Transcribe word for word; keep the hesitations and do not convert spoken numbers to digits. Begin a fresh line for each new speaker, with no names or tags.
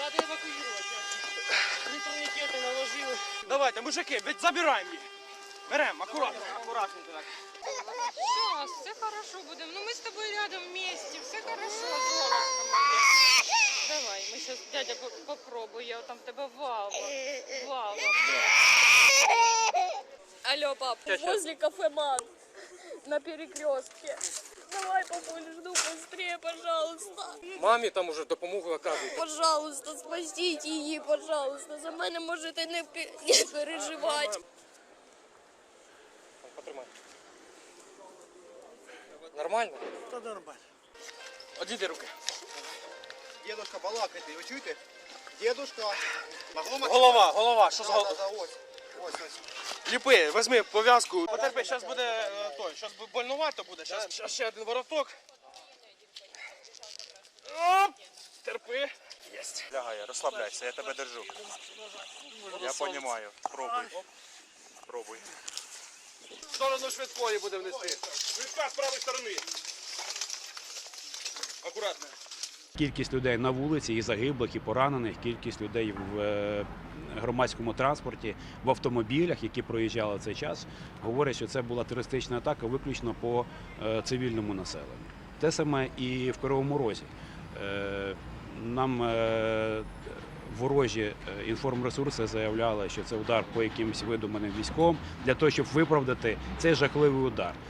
надо евакуювати. Три турнікети наложили. Давайте, мужики, ведь забираємо їх. Беремо, акуратно, акуратно так.
Сейчас, все хорошо будем. Ну мы с тобой рядом вместе, все хорошо, золотко моє. Давай, мы сейчас, дядя, по- попробуй, я там тебе валва. Валва.
Алло, пап, возле кафе «Ман» на перекрестке. Давай, папуль, жду быстрее, пожалуйста.
Мамі там уже допомогу оказують.
Пожалуйста, спасіть її, пожалуйста. За мене можете не, пе- не переживати.
Потримай. Нормально?
Та нормально.
Одійди руки.
Дедушка балакайте, ви чуєте? Дедушка.
Голова, голова, що з
Да,
головою?
да, да, ось. Ось, ось.
Ліпи, візьми пов'язку. Потерпи, зараз буде е, той, зараз больнувато буде. Зараз ще один вороток. Оп! Терпи. Єсть.
Лягай, розслабляйся, я тебе держу. Я розумію. Пробуй. Пробуй.
В сторону швидкої будемо нести. Швидка з правої сторони. Акуратно.
Кількість людей на вулиці, і загиблих, і поранених, кількість людей в е, громадському транспорті, в автомобілях, які проїжджали в цей час, говорять, що це була терористична атака виключно по е, цивільному населенню. Те саме і в Кривому Розі. Е, Нам е, ворожі е, інформресурси заявляли, що це удар по якимось видуманим військовим, для того, щоб виправдати цей жахливий удар.